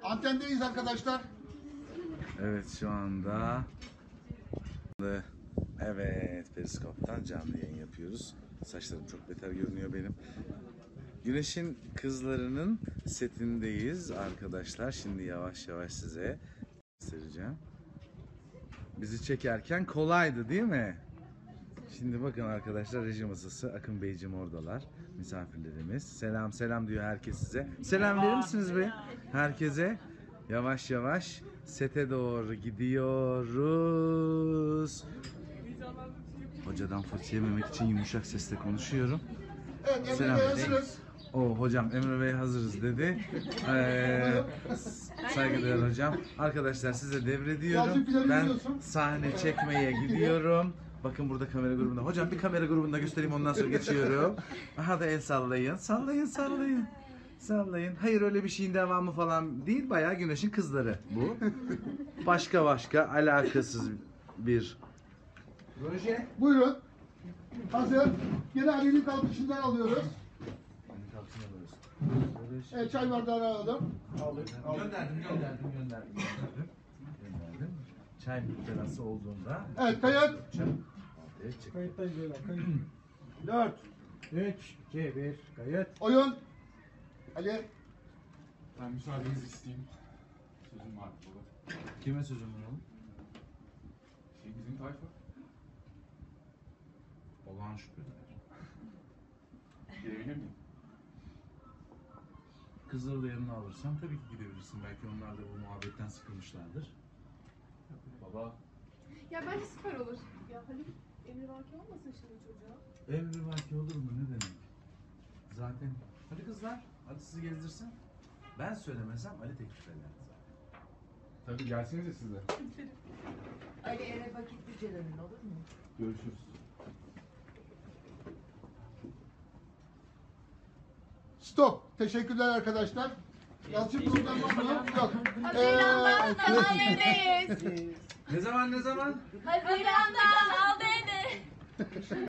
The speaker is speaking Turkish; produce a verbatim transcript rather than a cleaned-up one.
Antendeyiz arkadaşlar. Evet şu anda evet periskoptan canlı yayın yapıyoruz. Saçlarım çok beter görünüyor benim. Güneş'in Kızları'nın setindeyiz arkadaşlar. Şimdi yavaş yavaş size göstereceğim. Bizi çekerken kolaydı değil mi? Şimdi bakın arkadaşlar, reji masası, Akın Beyciğim oradalar. Misafirlerimiz. Selam selam diyor herkes size. Selam verir misiniz be? Herkese. Yavaş yavaş sete doğru gidiyoruz. Hocadan fırça yememek için yumuşak sesle konuşuyorum. Evet, Emre Selam. Bey hazırız. O hocam Emre Bey hazırız dedi. Ee, saygıdeğer hocam. Arkadaşlar size devrediyorum. Ben sahne çekmeye gidiyorum. Bakın burada kamera grubunda. Hocam bir kamera grubunda göstereyim, ondan sonra geçiyorum. Aha da el sallayın. Sallayın sallayın. Sallayın. Hayır, öyle bir şeyin devamı falan değil. Bayağı Güneş'in Kızları bu. Başka başka alakasız bir proje. Buyurun. Hazır. Yine Ali'nin kalkışından alıyoruz. Evet, çay bardağını alalım. Aldık. Gönderdim, gönderdim, gönderdim. Gönderdim. Gönderdim. Çay terası olduğunda. Evet, kayıt. Kayıttayız böyle. Kayıt. Dört. üç, iki, bir. Kayıt. Oyun. Ali. Ben müsaadenizi isteyeyim. Sözüm var baba. Kime sözüm var oğlum? Şey, bizim tayfa. Olağan şüpheler. Girebilir miyim? Kızları da yanına alırsan tabii ki gidebilirsin. Belki onlar da bu muhabbetten sıkılmışlardır. Baba. Ya bence süper olur. Ya Halil emri vaki olmasın şimdi çocuğa. Emri vaki olur mu, ne demek? Zaten hadi kızlar, hadi sizi gezdirsin. Ben söylemesem Ali teklif eder zaten. Tabii gelsenize siz de. Ali eve vakitlice dönün, olur mu? Görüşürüz. Stop. Teşekkürler arkadaşlar. Yalçın program var mı? Yok. Haziran'dan Kanal D'deyiz. Ne zaman ne zaman? Haziran'dan Kanal D'de.